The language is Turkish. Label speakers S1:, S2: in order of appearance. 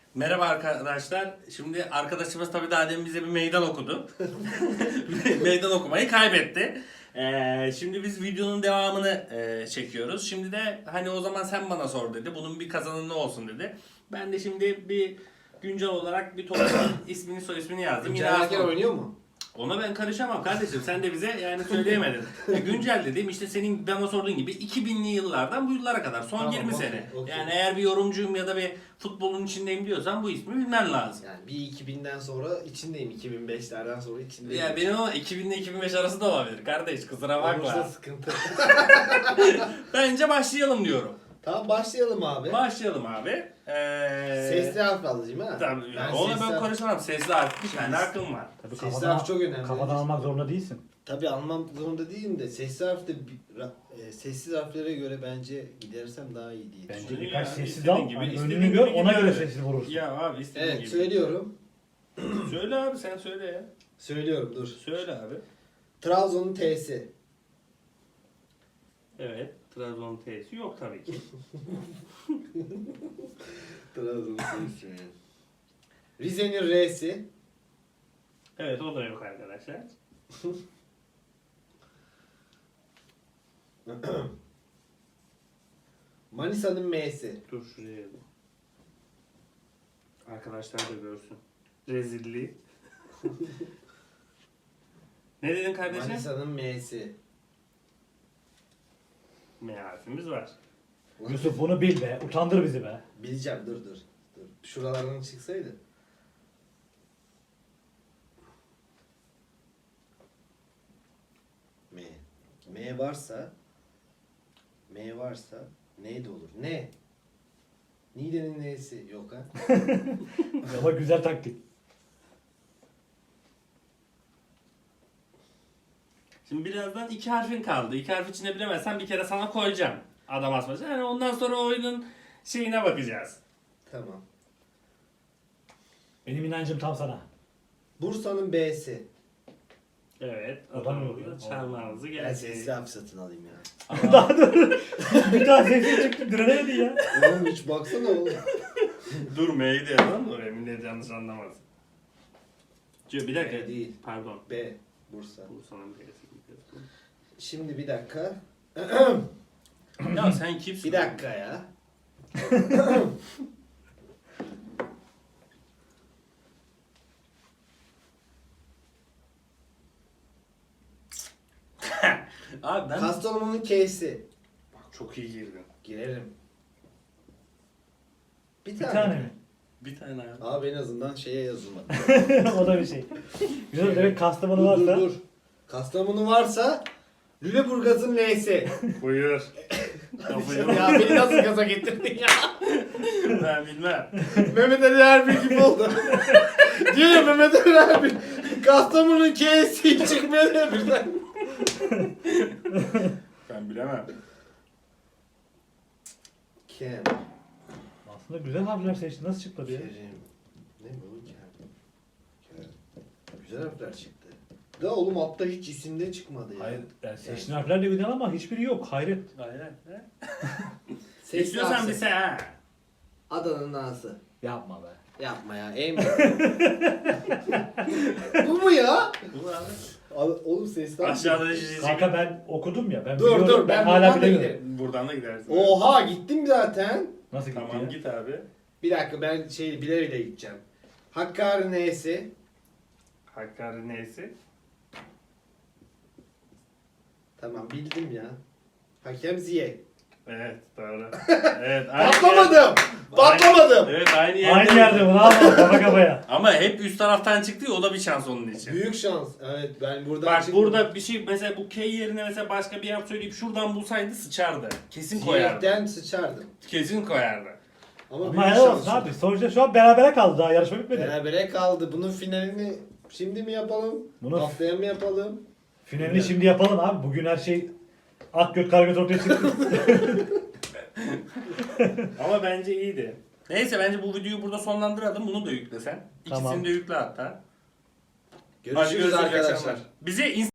S1: Merhaba arkadaşlar. Şimdi arkadaşımız tabii daha demin bize bir meydan okudu. Meydan okumayı kaybetti. Şimdi biz videonun devamını çekiyoruz. Şimdi de hani o zaman sen bana sor dedi. Bunun bir kazananı olsun dedi. Ben de şimdi bir güncel olarak bir toplumun ismini soy ismini yazdım. Yine
S2: Güncel oynuyor mu?
S1: ona ben karışamam kardeşim. Sen de bize yani söyleyemedin. Güncel dediğim işte senin bana sorduğun gibi 2000'li yıllardan bu yıllara kadar. Son
S2: Tamam,
S1: 20
S2: okey,
S1: sene.
S2: okey.
S1: Yani eğer bir yorumcuyum ya da bir futbolun içindeyim diyorsan bu ismi bilmen lazım.
S2: Yani bir 2000'den sonra içindeyim. 2005'lerden sonra içindeyim.
S1: Ya benim ama 2000 ile 2005 arası da olabilir kardeş, kusura
S2: Olursa
S1: bakma.
S2: sıkıntı.
S1: Bence başlayalım diyorum.
S2: Tamam başlayalım abi.
S1: Başlayalım abi.
S2: Sesli harf alayım ha.
S1: Tabii,
S2: Ben
S1: ona
S2: sesli
S1: ben
S2: harf-
S1: konuşamam. Sesli harf bir tane hakkım var.
S3: Tabii
S2: Sesli harf çok önemli.
S3: Kafadan almak zorunda değilsin.
S2: Tabii almam zorunda değilim de sesli harf de sessiz harflere göre bence gidersem daha iyi diye
S3: Bence
S2: düşünüyorum.
S1: Ya,
S3: birkaç sessiz
S1: istediğin
S3: al.
S1: gibi,
S3: Hani
S1: istediğin
S3: önünü gör,
S1: gibi
S3: ona göre
S1: gider.
S3: sessiz vurursun.
S1: Ya abi istediğin
S2: Evet
S1: gibi.
S2: söylüyorum.
S1: Söyle abi, sen söyle ya.
S2: Söylüyorum dur.
S1: Söyle abi.
S2: Trabzon'un T'si.
S1: Evet. Trabzon T'si yok tabii ki.
S2: Trabzon'un T'si. Rize'nin R'si.
S1: Evet, o da yok arkadaşlar.
S2: Manisa'nın M'si.
S1: Dur şuraya yazayım. Arkadaşlar da görsün. Rezilliği. Ne dedin kardeşim?
S2: Manisa'nın M'si.
S1: M harfimiz var.
S3: Yusuf bunu bil be. Utandır bizi be.
S2: Bileceğim dur. Şuralardan çıksaydı. M. M varsa neydi olur? Ne? Niğde'nin N'si yok ha?
S3: Ama güzel taktik.
S1: Şimdi birazdan iki harfin kaldı. İki harf içinde bilemezsen bir kere sana koyacağım. Adam asmaca. Yani ondan sonra oyunun şeyine bakacağız.
S2: Tamam.
S3: Benim inancım tam sana.
S2: Bursa'nın B'si.
S1: Evet.
S3: O da mı yok
S1: Adamın
S3: ya?
S1: çarmağımızı
S2: Ben
S1: geldi.
S2: sesli harf satın alayım ya.
S3: Daha dur. Bir daha sessiz çıktı. Direnemedi ya.
S2: Oğlum hiç baksana oğlum.
S1: Dur M'yi de yazalım da oraya millet yanlış anlamaz. Bir dakika.
S2: M değil.
S1: Pardon.
S2: B. Bursa.
S1: Bursa'nın B'si.
S2: Şimdi bir dakika.
S1: Ya sen kimsin?
S2: Bir dakika ya.
S1: Abi ben
S2: Kastamonu'nun K'si.
S1: bak çok iyi girdin.
S2: Girerim. Bir
S3: Bir
S2: tane.
S3: tane mi?
S1: Bir tane abi.
S2: Abi en azından şeye yazılmadı.
S3: O da bir şey. Güzel demek Kastamonu
S2: dur,
S3: varsa.
S2: dur. Kastamonu varsa Lüleburgaz'ın L'si.
S1: Buyur. Kafayı
S2: Ya beni nasıl gaza getirdin ya?
S1: ben bilmem.
S2: Mehmet Ali Erbil gibi oldu. Diyor ya Mehmet Ali Erbil. Kastamonu'nun K'si çıkmıyor ya birden.
S1: Ben bilemem.
S2: Kem.
S3: Aslında güzel harfler seçti. Nasıl çıktı ya?
S2: Kerim. Ne bu? Kem. Güzel harfler çıktı. Da oğlum altta hiç isimde çıkmadı ya.
S3: Hayır. Yani seçtiğin harfler de güzel ama hiçbiri yok. Hayret.
S1: Aynen.
S2: Sesli
S1: İstiyorsan
S2: harf
S1: bir
S2: seç.
S1: sen ha.
S2: Adana'nın A'sı.
S3: Yapma be.
S2: Yapma ya. Emin. Bu mu ya?
S1: Bu abi.
S2: Oğlum sesli harf.
S1: Aşağıda çizecek.
S3: Kanka ben okudum ya. Ben
S2: Dur,
S3: biliyorum,
S2: dur, ben
S3: hala
S2: buradan da
S3: bilemiyorum.
S2: giderim.
S1: Buradan da gidersin.
S2: Oha gittim zaten.
S3: Nasıl gitti
S1: Tamam
S3: ya?
S1: git abi.
S2: Bir dakika ben bile bile gideceğim. Hakkari N'si.
S1: Hakkari neyse.
S2: Tamam bildim ya. Hakem Ziyech.
S1: Evet doğru. Evet. aynı
S2: Patlamadım.
S1: yer-
S2: Patlamadım.
S1: Evet aynı yerde.
S3: Aynı yerde mi? Bravo. Kafa kafaya.
S1: Ama hep üst taraftan çıktı ya, o da bir şans onun için.
S2: Büyük şans. Evet ben buradan
S1: Bak
S2: çıktım.
S1: burada bir şey mesela bu K yerine mesela başka bir harf söyleyip şuradan bulsaydı sıçardı. Kesin koyardı.
S2: Ziyech'ten sıçardım.
S1: Kesin koyardı.
S2: Ama
S3: Ama
S2: büyük
S3: helal
S2: şans.
S3: olsun abi. Sonuçta şu an berabere kaldı. Daha yarışma bitmedi.
S2: Berabere kaldı. Bunun finalini şimdi mi yapalım?
S3: Bunu-
S2: Haftaya mı yapalım?
S3: Finalini şimdi yapalım abi. Bugün her şey at göt kara göt ortaya çıktı.
S1: Ama bence iyiydi. Neyse bence bu videoyu burada sonlandıralım. Bunu da yüklesen.
S3: Tamam.
S1: İkisini de yükle hatta. Hadi
S2: Görüşürüz arkadaşlar.
S1: akşamlar. Bize